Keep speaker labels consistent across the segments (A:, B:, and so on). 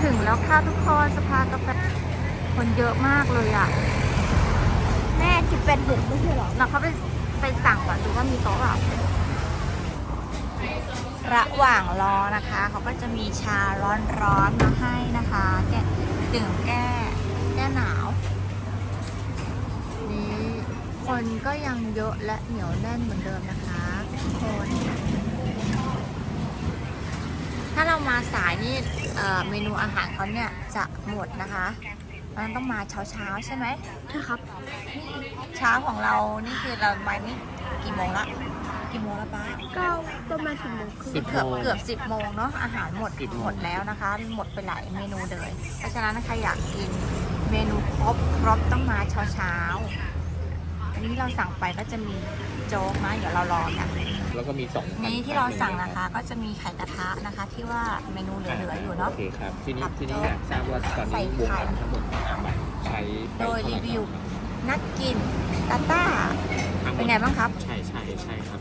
A: ถึงแล้วค่ะทุกคนสภากาแฟคนเยอะมากเลยอ่ะ
B: แม่คิดเป็น6ไม่ใช่หรอ
A: เราเขาไปสั่งก่อนดูว่ามีโต๊ะเปล่าระหว่างรอนะคะเขาก็จะมีชาร้อนๆมาให้นะคะแก้ดื่มแก้หนาวนี่คนก็ยังเยอะและเหนียวแน่นเหมือนเดิมนะคะทุกคนถ้าเรามาสายนี่เมนูอาหารเขาเนี่ยจะหมดนะคะมันต้องมาเช้าใช่ไหม
B: ใช่ครับ
A: เช้าของเรานี่คือเราไปนี่กี่โมงละป้า
B: ก็ประมาณ10 โมงครึ่ง
A: เกือบ10 โมงเนาะอาหารหมดแล้วนะคะหมดไปหลายเมนูเลยเพราะฉะนั้นใครอยากกินเมนูครบต้องมาเช้าอันนี้เราสั่งไปก็จะมีโจ๊กนะเดี๋ยวเรารอกัน
C: แล้วก็มี2
A: นี้ที่เราสั่งนะคะก็จะมีไข่กระทะนะคะที่ว่าเมนูเหลืออยู่เนาะ
C: โอเคครับที่นี่อยากทราบว่าตอนนี้วงเงินทั้งหมดใช้
A: โดยรีวิวนักกินตาต้าเป็นไงบ้างครับ
C: ใช่ครับ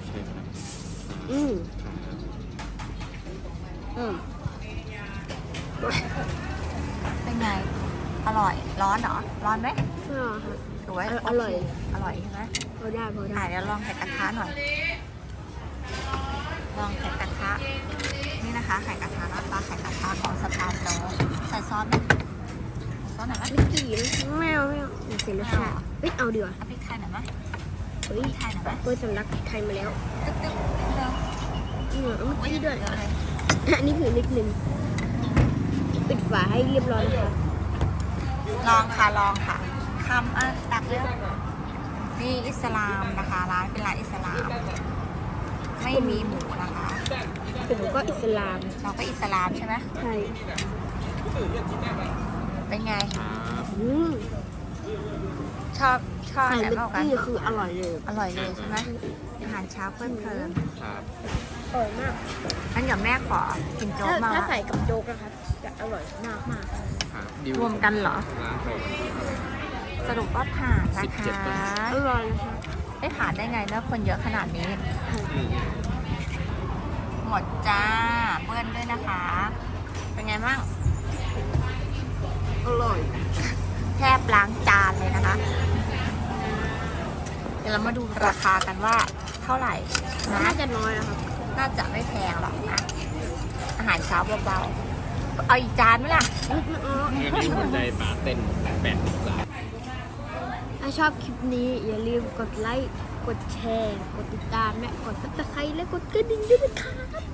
A: เป็นไงอร่อยร้อนเหรอร้อนไหม
B: ไม่ร้อนครับ
A: สวย
B: อร่อย
A: ใช่ไหม
B: พอได้
A: เดี๋ยวลองไข่กระทะหน่อยลองไข่กระทะนี่นะคะไข่กระทะหน้าตาไข่กระทะของสถานโลใส่ซอสไหมซอสหน่อยไหม
B: ไม่กี่ไม่เอาเสียรสชาติเอาดีกว่า
A: เอาพริกไทยหน่อยไหม
B: พริกไทยหน่อยไหมเปิดสำลักไทยมาแล้ว
A: ตึ๊กเร็ว
B: เอาเมื่อกี้ด้วยอันนี้คือนิดนึงปิดฝาให้เรียบร้อยนะคะ
A: ลองค่ะคำตักเลือกนี่อิสลามนะคะร้านเป็นร้านอิสลามไม่มีหมูนะคะ
B: ผมก็อิสลาม
A: เราก็อิสลามใช่ไหม
B: ใช่
A: เป็นไงชอบ
B: อะไร
A: มากกัน
B: นี่คืออร่อย
A: เลยใช่ไหมอาหารเช้าเพลิน
C: ครับ
B: อร่อยมาก
A: งั้นเดี๋ยวแม่ขอกินโจ๊กมา
B: ถ้าใส่กับโจ๊กนะครับจะอร่อยมาก
A: รวมกันเหรอสรุปว่าผ่านนะคะ
B: อร่อยนะคะ
A: ได้ผ่านได้ไงนะคนเยอะขนาดนี้หมดจ้าเบิ้ลด้วยนะคะเป็นไงบ้าง
B: อร่อย
A: แทบล้างจานเลยนะคะเดี๋ยวเรามาดูราคากันว่าเท่าไหร่นะ
B: น่าจะน้อยนะครับ
A: น่าจะไม่แพงหรอกนะอาหารเช้าเบาๆเอาอีกจานไหมล่ะ
C: มีหัวใจปลาเต้น8
B: ถ้าชอบคลิปนี้อย่าลืมกดไลค์กดแชร์กดติดตามและกดซับสไครต์และกดกระดิ่งด้วยนะครับ